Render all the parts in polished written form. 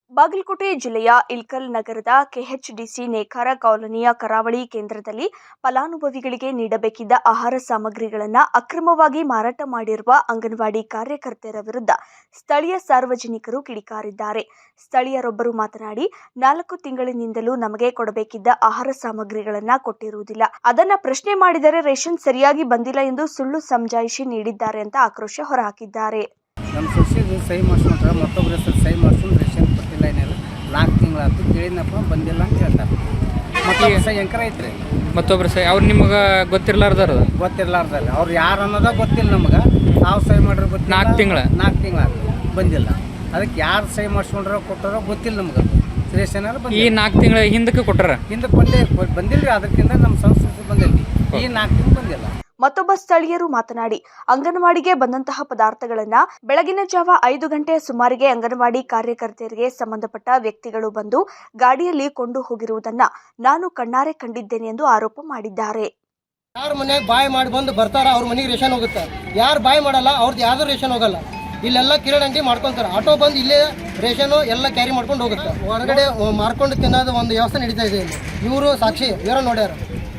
ಬಾಗಲಕೋಟೆ ಜಿಲ್ಲೆಯ ಇಳಕಲ್ ನಗರದ ಕೆಎಚ್ಡಿಸಿ ನೇಕಾರ ಕಾಲೋನಿಯ ಕರಾವಳಿ ಕೇಂದ್ರದಲ್ಲಿ ಫಲಾನುಭವಿಗಳಿಗೆ ನೀಡಬೇಕಿದ್ದ ಆಹಾರ ಸಾಮಗ್ರಿಗಳನ್ನು ಅಕ್ರಮವಾಗಿ ಮಾರಾಟ ಮಾಡಿರುವ ಅಂಗನವಾಡಿ ಕಾರ್ಯಕರ್ತೆಯರ ವಿರುದ್ಧ ಸ್ಥಳೀಯ ಸಾರ್ವಜನಿಕರು ಕಿಡಿಕಾರಿದ್ದಾರೆ. ಸ್ಥಳೀಯರೊಬ್ಬರು ಮಾತನಾಡಿ, 4 ತಿಂಗಳಿನಿಂದಲೂ ನಮಗೆ ಕೊಡಬೇಕಿದ್ದ ಆಹಾರ ಸಾಮಗ್ರಿಗಳನ್ನು ಕೊಟ್ಟಿರುವುದಿಲ್ಲ. ಅದನ್ನ ಪ್ರಶ್ನೆ ಮಾಡಿದರೆ ರೇಷನ್ ಸರಿಯಾಗಿ ಬಂದಿಲ್ಲ ಎಂದು ಸುಳ್ಳು ಸಮಜಾಯಿಷಿ ನೀಡಿದ್ದಾರೆ ಅಂತ ಆಕ್ರೋಶ ಹೊರಹಾಕಿದ್ದಾರೆ. ನಮ್ಮ ಸೊಸೆದು ಸಹಿ ಮಾಡಿಸ್ಕೊಂಡ್ರೆ ಮತ್ತೊಬ್ಬರ ಹೆಸರು ಸಹಿ ಮಾಡಿಸ್ಕೊಂಡು ರೇಷನ್ ಕೊಟ್ಟಿಲ್ಲ, ಏನಿಲ್ಲ 4 ತಿಂಗಳಾಯ್ತು ಕೇಳಿನಪ್ಪ ಬಂದಿಲ್ಲ ಅಂತ ಹೇಳ್ತಾರೆ. ಮತ್ತೊಬ್ಬ ಸಹಿ ಎಂಕರ ಐತ್ರಿ, ಮತ್ತೊಬ್ಬರು ಸಹಿ ಅವ್ರು ನಿಮಗೆ ಗೊತ್ತಿರಲಾರ್ದಾರ ಅವ್ರು ಯಾರು ಅನ್ನೋದ ಗೊತ್ತಿಲ್ಲ ನಮಗೆ. ನಾವು ಸಹಿ ಮಾಡಿರೋ ಗೊತ್ತಿಲ್ಲ. 4 ತಿಂಗಳಾಯ್ತು ಬಂದಿಲ್ಲ. ಅದಕ್ಕೆ ಯಾರು ಸಹಿ ಮಾಡಿಸ್ಕೊಂಡ್ರೋ ಕೊಟ್ಟಾರೋ ಗೊತ್ತಿಲ್ಲ ನಮ್ಗೆ. ರೇಷನ್ ಈ 4 ತಿಂಗಳ ಹಿಂದಕ್ಕೆ ಕೊಟ್ಟಾರ, ಹಿಂದಕ್ಕೆ ಬಂದಿಲ್ಲ ರೀ. ಅದಕ್ಕಿಂತ ನಮ್ಮ ಸಂಸ್ಕೃತಿ ಬಂದಿಲ್ಲ. ಈ 4 ತಿಂಗಳು ಬಂದಿಲ್ಲ. ಮತ್ತೊಬ್ಬ ಸ್ಥಳೀಯರು ಮಾತನಾಡಿ, ಅಂಗನವಾಡಿಗೆ ಬಂದಂತಹ ಪದಾರ್ಥಗಳನ್ನು ಬೆಳಗಿನ ಜಾವ 5 ಗಂಟೆಯ ಸುಮಾರಿಗೆ ಅಂಗನವಾಡಿ ಕಾರ್ಯಕರ್ತೆಯರಿಗೆ ಸಂಬಂಧಪಟ್ಟ ವ್ಯಕ್ತಿಗಳು ಬಂದು ಗಾಡಿಯಲ್ಲಿ ಕೊಂಡು ಹೋಗಿರುವುದನ್ನ ನಾನು ಕಣ್ಣಾರೆ ಕಂಡಿದ್ದೇನೆ ಎಂದು ಆರೋಪ ಮಾಡಿದ್ದಾರೆ. ಯಾರು ಮನೆಯಾಗ ಬಾಯ್ ಮಾಡಿ ಬಂದು ಬರ್ತಾರ ಅವ್ರ ಮನೆಗೆ ರೇಷನ್ ಹೋಗುತ್ತೆ. ಯಾರು ಬಾಯ್ ಮಾಡಲ್ಲ ಅವ್ರದ್ದು ಯಾವ್ದು ರೇಷನ್ ಹೋಗಲ್ಲ. ಇಲ್ಲೆಲ್ಲ ಕಿರಣಂಟಿ ಮಾಡ್ಕೊಂತಾರೆ. ಆಟೋ ಬಂದು ಇಲ್ಲೇ ರೇಷನ್ ಎಲ್ಲ ಕ್ಯಾರಿ ಮಾಡ್ಕೊಂಡು ಹೋಗುತ್ತೆ. ಹೊರಗಡೆ ಮಾರ್ಕೊಂಡು ತಿನ್ನೋದು ಒಂದು ವ್ಯವಸ್ಥೆ ನಡೀತಾ ಇದೆ. ಇವರು ಸಾಕ್ಷಿ, ಇವರ ನೋಡ್ಯಾರ.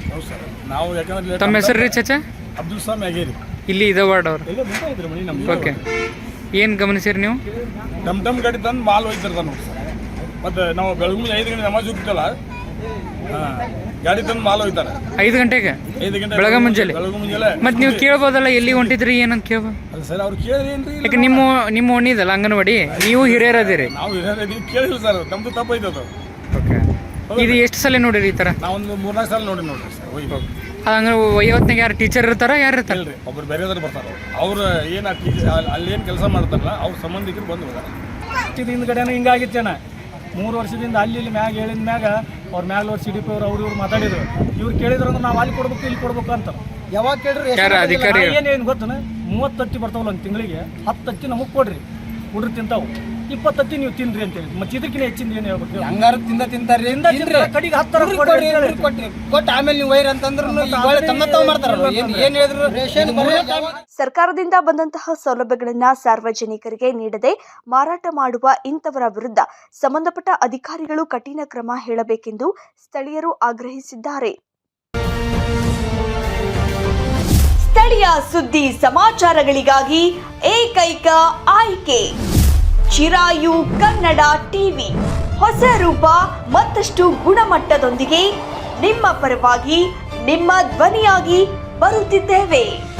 ತಮ್ಮ ಹೆಸರು ರೀ ಚಚಾ? ಅಬ್ದುಲ್ ಸಲಾಮ್ ಆಗೇರಿ. ಇಲ್ಲಿ ಇದೆ ವಾರ್ಡ್ ಅವ್ರು. ಓಕೆ, ಏನು ಗಮನಿಸಿರಿ ನೀವು? ಡಮ್ ಗಾಡಿ ತಂದು ಮಾಲ್ ಹೋಗ್ತಿರ್ತಾನೆ ನೋಡಿ ಸರ್. ಮತ್ತು ನಾವು ಬೆಳಗ್ಗೆ 5 ಗಂಟೆ ನಮಾಜ್ ಹೋಗ್ತಲ್ಲ, ಗಾಡಿ ತಂದು ಮಾಲ್ ಹೋಗ್ತಾರೆ 5 ಗಂಟೆಗೆ. 5 ಗಂಟೆ ಬೆಳಗ್ಗೆ ಮುಂಜಾನೆ. ಮತ್ತು ನೀವು ಕೇಳ್ಬೋದಲ್ಲ ಎಲ್ಲಿ ಹೊಂಟಿದ್ರಿ ಏನಂತ ಕೇಳ್ಬೋದು. ಅಲ್ಲ ಸರ್, ಅವ್ರು ಕೇಳಿದ್ರೇನ್ರಿ? ಯಾಕೆ ನಿಮ್ಮ ಓಣಿದಲ್ಲ ಅಂಗನವಾಡಿ, ನೀವು ಹಿರಿಯರದಿರಿ. ನಾವು ಹಿರಿಯರು ಕೇಳಿಲ್ಲ ಸರ್, ನಮ್ದು ತಪ್ಪೈತದು. ಓಕೆ, ಇದು ಎಷ್ಟು ಸಲ ನೋಡಿರಿ ಈ ಥರ? ನಾವೊಂದು 3-4 ಸಲ ನೋಡ್ರಿ ಸರ್. ಹಂಗೆ ವೈವತ್ನಾಗ ಯಾರು ಟೀಚರ್ ಇರ್ತಾರ, ಯಾರು ಇರ್ತಾರೆ? ಇಲ್ರಿ, ಒಬ್ರು ಬೇರೆದಾರು ಬರ್ತಾರೆ. ಅವ್ರು ಏನು ಅಲ್ಲಿ ಏನು ಕೆಲಸ ಮಾಡ್ತಾರಲ್ಲ ಅವ್ರ ಸಂಬಂಧಿಕರು ಬಂದು ಹೋದಾರೆ. ಹಿಂದ್ಗಡೆನೂ ಹಿಂಗಾಗಿತ್ತು ಜನ 3 ವರ್ಷದಿಂದ ಅಲ್ಲಿ ಮ್ಯಾಗ ಹೇಳಿದ ಮ್ಯಾಗ ಅವ್ರ ಮ್ಯಾಗ CDP ಅವ್ರು ಇವ್ರು ಮಾತಾಡಿದ್ರು. ಇವ್ರು ಕೇಳಿದ್ರು ಅಂದ್ರೆ ನಾವು ಅಲ್ಲಿ ಕೊಡ್ಬೇಕು ಇಲ್ಲಿ ಕೊಡ್ಬೇಕು ಅಂತ. ಯಾವಾಗ ಕೇಳ್ರಿ ಅಧಿಕಾರಿ ಏನು ಗೊತ್ತನ, 30 ತತ್ತಿ ಬರ್ತಾವಲ್ಲ ಒಂದು ತಿಂಗಳಿಗೆ, 10 ತತ್ತಿ ನಮಗೆ ಕೊಡ್ರಿ, ಹುಡ್ರು ತಿಂತಾವು, 20 ತತ್ತಿ ನೀವು ತಿನ್ರಿ ಅಂತೇಳಿ. ಮತ್ತೆ ಇದಕ್ಕಿಂತ ಹೆಚ್ಚಿಂದ ಏನು ಹೇಳ್ಬೇಕು? ಹಂಗಾರು ತಿಂತಾರೆ ಕಡೆಗೆ 10 ಕೊಟ್ಟು ಆಮೇಲೆ ನೀವು ವೈರ್ ಅಂತಂದ್ರೆ ಮಾಡ್ತಾರಲ್ಲ. ಏನು ಹೇಳಿದ್ರು ರೇಷನ್ ಸರ್ಕಾರದಿಂದ ಬಂದಂತಹ ಸೌಲಭ್ಯಗಳನ್ನ ಸಾರ್ವಜನಿಕರಿಗೆ ನೀಡದೆ ಮಾರಾಟ ಮಾಡುವ ಇಂಥವರ ವಿರುದ್ಧ ಸಂಬಂಧಪಟ್ಟ ಅಧಿಕಾರಿಗಳು ಕಠಿಣ ಕ್ರಮ ಹೇಳಬೇಕೆಂದು ಸ್ಥಳೀಯರು ಆಗ್ರಹಿಸಿದ್ದಾರೆ. ಸ್ಥಳೀಯ ಸುದ್ದಿ ಸಮಾಚಾರಗಳಿಗಾಗಿ ಏಕೈಕ ಆಯ್ಕೆ ಚಿರಾಯು ಕನ್ನಡ ಟಿವಿ. ಹೊಸ ರೂಪ ಮತ್ತಷ್ಟು ಗುಣಮಟ್ಟದೊಂದಿಗೆ ನಿಮ್ಮ ಪರವಾಗಿ, ನಿಮ್ಮ ಧ್ವನಿಯಾಗಿ ಬರುತ್ತಿದ್ದೇವೆ.